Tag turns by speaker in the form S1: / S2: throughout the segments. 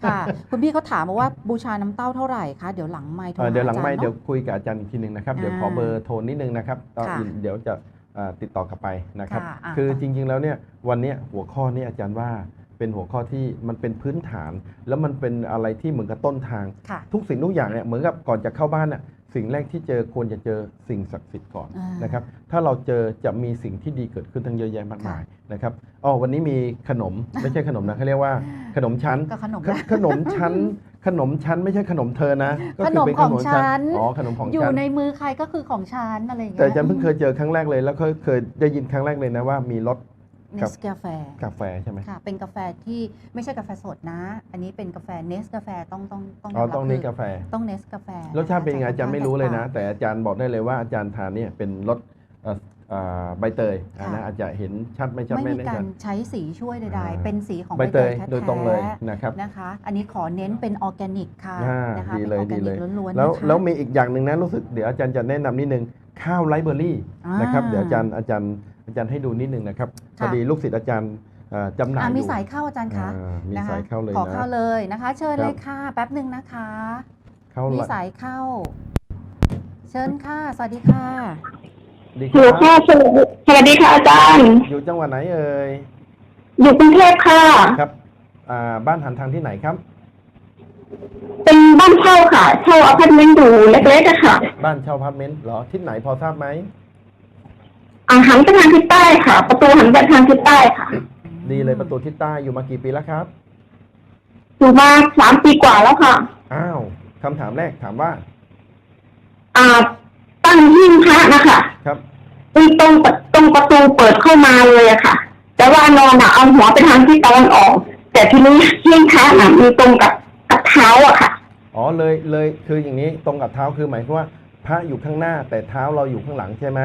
S1: ค่ะคุณพี่เขาถามมาว่าบูชาน้ำเต้าเท่าไหร่คะเดี๋ยวหลังไมค์โทรหา
S2: เดี๋ยวหลังไม่
S1: อาจารย์
S2: เดี๋ยว
S1: เนาะ
S2: คุยกับอาจารย์อีกทีหนึ่งนะครับเดี๋ยวขอเบอร์โทรนิดนึงนะครับตอน
S1: ค่ะ
S2: เดี๋ยวจะติดต่อกลับไปนะครับ
S1: ค่ะ
S2: คือ
S1: ค่ะ
S2: จริงๆแล้วเนี่ยวันเนี้ยหัวข้อนี้อาจารย์ว่าเป็นหัวข้อที่มันเป็นพื้นฐาน แล้วมันเป็นอะไรที่เหมือนกับต้นทาง
S1: ค่ะ
S2: ทุกสิ่งทุกอย่างเนี่ยเหมือนกับก่อนจะเข้าบ้านน่ะสิ่งแรกที่เจอควรจะเจอสิ่งศักดิ์สิทธิ์ก่อน
S1: อ่าน
S2: นะครับถ้าเราเจอจะมีสิ่งที่ดีเกิดขึ้นทั้งเยอะแยะมากมายนะครับอ๋อวันนี้มีขนมไม่ใช่ขนมนะเขาเรียกว่าขนมชั้น
S1: ก็ขนม
S2: ขนมชั้นขนมชั้นไม่ใช่ขนมเธอนะก็
S1: ข
S2: คื
S1: นม
S2: เป็น
S1: ของฉัน
S2: อ๋อขนมของ
S1: อยู่
S2: ฉัน
S1: ในมือใครก็คือของฉันอะไรอย่าง
S2: แต่
S1: เงี้ย
S2: อาจารย์เพิ่งเคยเจอครั้งแรกเลยแล้วก็เคยได้ยินครั้งแรกเลยนะว่ามีรส
S1: เน
S2: ครับ
S1: สกาแฟ
S2: กาแฟใช่ไหม
S1: ค่ะเป็นกาแฟที่ไม่ใช่กาแฟสดนะ อันนี้เป็นกาแฟเนสกาแฟต้อง
S2: อ๋อต้องนี่
S1: คื
S2: กาแฟ
S1: ต้องเนสกาแฟ
S2: รสชาติเป็นยังไงอาจารย์ไม่รู้เลยนะ
S1: แตกต่าง
S2: แต่อาจารย์บอกได้เลยว่าอาจารย์ทานเนี่ยเป็นรสใบเตย
S1: ค่ะ
S2: นะอาจจะเห็นชัดไม่ชัด
S1: ไม่
S2: ไม่
S1: มี
S2: แน่
S1: กา
S2: ใจ
S1: รใช้สีช่วยใด
S2: อ่า
S1: ๆ เป็นสีของ
S2: ใบเตย
S1: แท้ๆ
S2: โดยตรงเลยนะครับ
S1: นะคะ อันนี้ขอเน้นเป็นออร์แกนิกค่ะ นะคะ
S2: ดี
S1: เป็น
S2: เล
S1: อย อร์แก
S2: ดี
S1: นิ
S2: เล
S1: ก
S2: ย
S1: ล้วนๆ
S2: แล้ว
S1: นะคะ
S2: แล้วมีอีกอย่างหนึ่งนะรู้สึกเดี๋ยวอาจารย์จะแนะนำนิดนึงข้าวไรเบอรี่
S1: อ่าน
S2: นะครับเดี๋ยวอาจารย์ให้ดูนิดนึงนะครับพ
S1: ค่ะ
S2: อดีลูกศิษย์อาจารย์จำหน่ายอยู่
S1: มีสายเข้าอาจารย์คะ
S2: มี
S1: นะคะ
S2: สายเข้าเลย
S1: ขอ
S2: นะ
S1: เข้าเลยนะคะ เชิญ
S2: ครับ
S1: เลยค่ะ แป๊บหนึ่งนะคะ
S2: เข้า
S1: มี
S2: ละ
S1: สายเข้า เชิญค่ะ สวัสดีค่ะ
S2: ดีค
S3: ฮัลโหล
S2: รั
S3: ค่ะ
S2: บ
S3: สวัสดีค่ะอาจารย์
S2: อยู่จังหวัดไหนเอ่ย
S3: อยู่กรุงเทพค่ะ
S2: ครับบ้านหันทางที่ไหนครับ
S3: เป็นบ้านเช่าค่ะ เช่าอพาร์ตเมนต์อยู่เล็กๆอะค่ะ
S2: บ้านเช่าอพาร์ตเมนต์เหรอทิศไหนพอทราบไหม
S3: หันไปทางทิศใต้ค่ะ ประตูหันไปทางทิศใต้ค่ะ
S2: ดีเลยประตูทิศใต้อยู่มากี่ปีแล้วครับ
S3: อยู่มา3 ปีกว่าแล้วค่ะ
S2: อ้าวคำถามแรกถามว่า
S3: อ่า ตั้งหิ้งพระนะคะ
S2: ครับ
S3: ตรงประตูเปิดเข้ามาเลยอะค่ะ แต่ว่านอนเอาหัวไปทางทิศตะวันออก แต่ทีนี้หิ้งพระน่ะมีตรงกับเท้าอะค่ะ
S2: อ๋อเลยคืออย่างนี้ตรงกับเท้าคือหมายความว่าพระอยู่ข้างหน้าแต่เท้าเราอยู่ข้างหลังใช่ไหม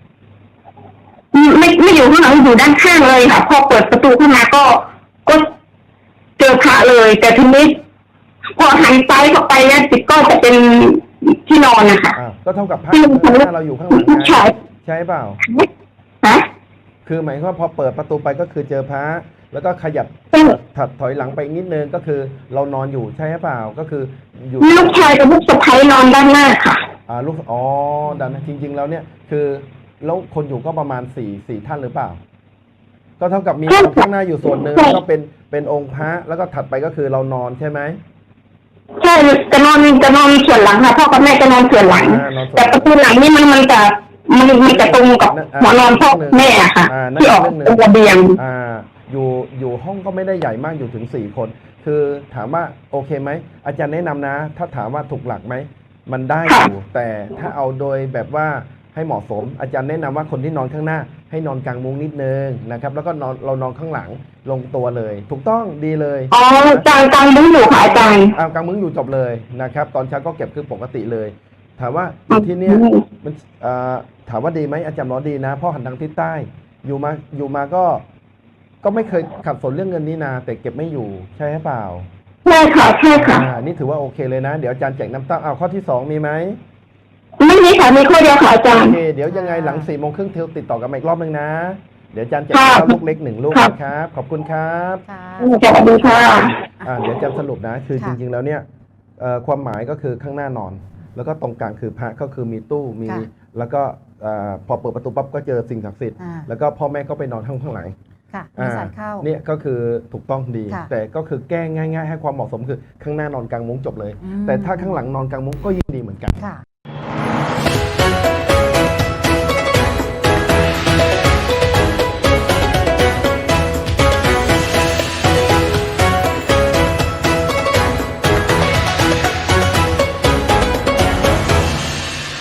S3: ไม่อยู่ข้างหลังอยู่ด้านข้างเลยค่ะ พอเปิดประตูเข้ามาก็เจอพระเลย แต่ทีนี้พอหันซ้ายเข้าไปเนี่ยจิตก็จะเป็นที่นอนนะคะ
S2: ก็เท่ากับพระ
S3: ที่
S2: ข้างหน้าเราอยู่ข้างหลัง
S3: ผู้ชาย
S2: ใช่เปล่า
S3: ฮะ
S2: คือหมายความว่าพอเปิดประตูไปก็คือเจอพระแล้วก็ขยับ
S3: ใช่
S2: ถัดถอยหลังไปอีกนิดนึงก็คือเรานอนอยู่ใช่เปล่าก็คืออยู่
S3: ลูกชายกับลูกสะใภ้นอนด้านหน้าค่ะ
S2: ลูกดันนะจริง ๆ แล้วเนี่ยคือแล้วคนอยู่ก็ประมาณสี่ท่านหรือเปล่า ก็เท่ากับมีคนข้างหน้าอยู่ส่วนหนึ่งแล้วก็เป็นองค์พระแล้วก็ถัดไปก็คือเรานอนใช่ไหม
S3: ใช่จะนอนส่วนหลังค่ะพ่อกับแม่จะนอนส่วนหลัง
S2: นอนส่วนหลัง
S3: แต่ประตูหลังนี่มันจะตรงกับหัวนอนพ่อแม่อะค่ะ
S2: นั่น
S3: ที่ออก
S2: เรื่องหนึ่ง
S3: ตรงระเบียง
S2: อยู่ห้องก็ไม่ได้ใหญ่มากอยู่ถึง4 คน คือถามว่าโอเคไหมอาจารย์แนะนำนะ ถ้าถามว่าถูกหลักไหมมันได้อยู่แต่ถ้าเอาโดยแบบว่าให้เหมาะสม อาจารย์แนะนำว่าคนที่นอนข้างหน้า ให้นอนกลางมุ้งนิดนึงนะครับแล้วก็เรานอนข้างหลังลงตัวเลย ถูกต้องดีเลย
S3: อ๋อกลางมุ้งอยู่ค่ะอาจารย์
S2: กลางมุ้งอยู่จบเลยนะครับตอนเช้าก็เก็บคือปกติเลย ถามว่าอยู่ที่เนี้ยมันถามว่าดีไหมอาจารย์บอกดีนะเพ่อหันทางทิศใต้อยู่มาก็ไม่เคยขัดสนเรื่องเงินนี้นาแต่เก็บไม่อยู่ใช่หรือเปล่า
S3: ใช่ค่ะใช่ค่ะ
S2: นี่ถือว่าโอเคเลยนะ เดี๋ยวอาจารย์แจกน้ำเต้าข้อที่ 2มีไหม
S3: ไม่มีค่ะมีข้อเดียวค่ะอาจาร
S2: โอ
S3: ย์
S2: เคเดี๋ยวยังไงหลัง4 โมงครึ่งเทลติดต่อกันมาอีกรอบนึงนะ เดี๋ยวอาจารย์แจก
S3: ค่ะ
S2: ข้าวลูกเล็ก1 ลูก
S3: ค่ะ
S2: นะครับขอบคุณครับ
S1: ค่ะ
S3: สวัสดีค่ะ
S2: เดี๋ยวอาจารย์สรุปนะคือจ
S1: ค่ะ
S2: ริงๆแล้วเนี่ยความหมายก็คือข้างหน้านอน แล้วก็ตรงกลางคือพระก็คือมีตู้มี
S1: ค่ะ
S2: แล้วก็พอเปิดประตูปั๊บก็เจอสิ่งศักดิ์สิทธิ์
S1: อ่า
S2: แล้วก็พ่อแม่ก็ไปนอนข้างหลัง
S1: ค่ะมีสายเข้า
S2: เนี่ยก็คือถูกต้องดี
S1: ค่ะ
S2: แต่ก็คือแก้ง่ายๆ ให้ความเหมาะสมคือข้างหน้านอนกลางมุ้งจบเลย
S1: อืม
S2: แต่ถ้าข้างหลังนอนกลางมุ้งก็ยิ่งดีเหมือนกัน
S1: ค่ะ